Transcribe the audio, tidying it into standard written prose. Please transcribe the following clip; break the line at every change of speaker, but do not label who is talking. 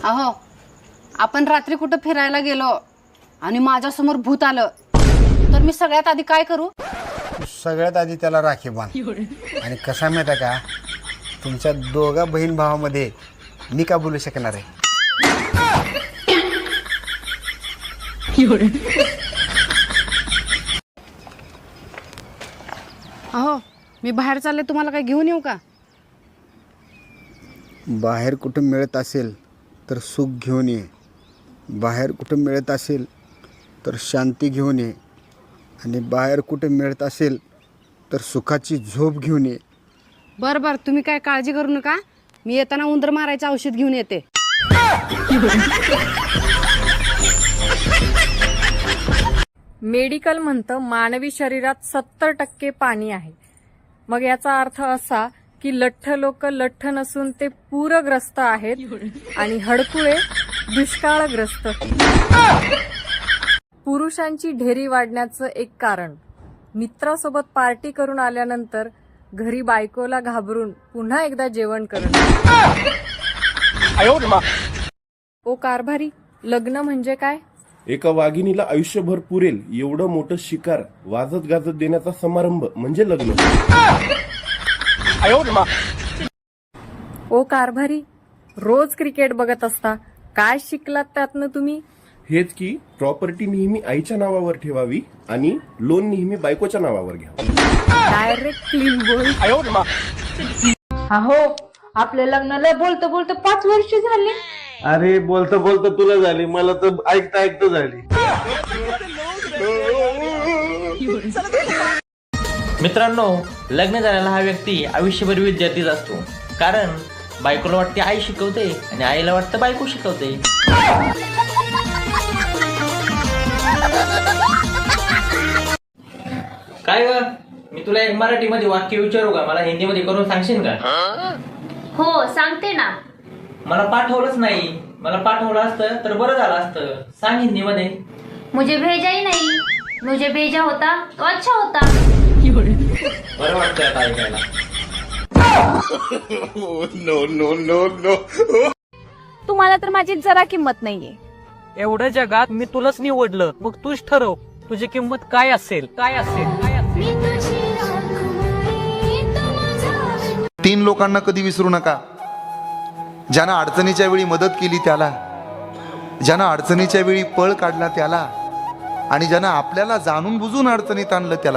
अहो, आपण रात्री कुठं फिरायला गेलो आणि माझ्यासमोर भूत आलं तर मी सगळ्यात आधी काय करू?
सगळ्यात आधी त्याला राखी बांध. आणि कसा माहिती आहे का, तुमच्या दोघा बहीण भावामध्ये मी का बोलू शकणार आहे?
अहो, मी बाहेर चालले, तुम्हाला काय घेऊन येऊ का?
बाहेर कुठं मिळत असेल तर सुख घेऊन ये, बाहेर कुठं मिळत असेल तर शांती घेऊन ये, आणि बाहेर कुठे मिळत असेल तर सुखाची झोप घेऊन ये.
बरं बरं, तुम्ही काय काळजी करू नका, मी येताना उंदर मारायचं औषध घेऊन येते.
मेडिकल म्हणतं मानवी शरीरात 70% पाणी आहे. मग याचा अर्थ असा की लठ्ठ लोक लठ्ठ नसून ते पूरग्रस्त आहेत आणि हडकुळे दुष्काळग्रस्त. पुरुषांची ढेरी वाढण्याचं एक कारण, मित्रासोबत पार्टी करून आल्यानंतर घरी बायकोला घाबरून पुन्हा एकदा जेवण करणं. ओ कारभारी, लग्न म्हणजे काय?
एका वाघिणीला आयुष्यभर पुरेल एवढं मोठं शिकार वाजत गाजत देण्याचा समारंभ म्हणजे लग्न.
ओ कारभारी, रोज क्रिकेट बघत असता, काय शिकलात त्यातनं तुम्ही?
हेच की प्रॉपर्टी नेहमी आईच्या नावावर ठेवावी आणि लोन नेहमी बायकोच्या नावावर घ्यावं.
डायरेक्ट क्लीन बोल.
अहो, आपल्या लग्नाला बोलतो बोलतो 5 वर्ष झाली.
अरे बोलता बोलता तुला झाली, मला तर ऐकता ऐकता झाली.
मित्रांनो, लग्न झालेला हा व्यक्ती आयुष्यभर विद्यार्थीच असतो. कारण बायकोला वाटते आई शिकवते आणि आईला वाटतं बायको शिकवते. काय ग, मी तुला एक मराठीमध्ये वाक्य विचारू का? मला हिंदीमध्ये करून सांगशील का?
हो, सांगते ना.
मला पाठवलंच नाही, मला पाठवलं असतं तर बरं झालं असतं. सांग हिंदीमध्ये.
मुझे भेजा ही नहीं, मुझे भेजा होता तो अच्छा होता.
बरं वाटतंय आता ऐकायला.
तुम्हाला तर माझी जरा किंमत नाहीये.
एवढ्या जगात मी तुलाच निवडलं, मग तूच ठरव तुझी किंमत काय असेल. काय असेल? काय असेल?
3 लोकांना कधी विसरू नका. ज्यानं अडचणीच्या वेळी मदत केली त्याला, ज्यानं अडचणीच्या वेळी पळ काढला त्याला, आणि ज्यानं आपल्याला जाणून बुजून अडचणीत आणलं त्याला.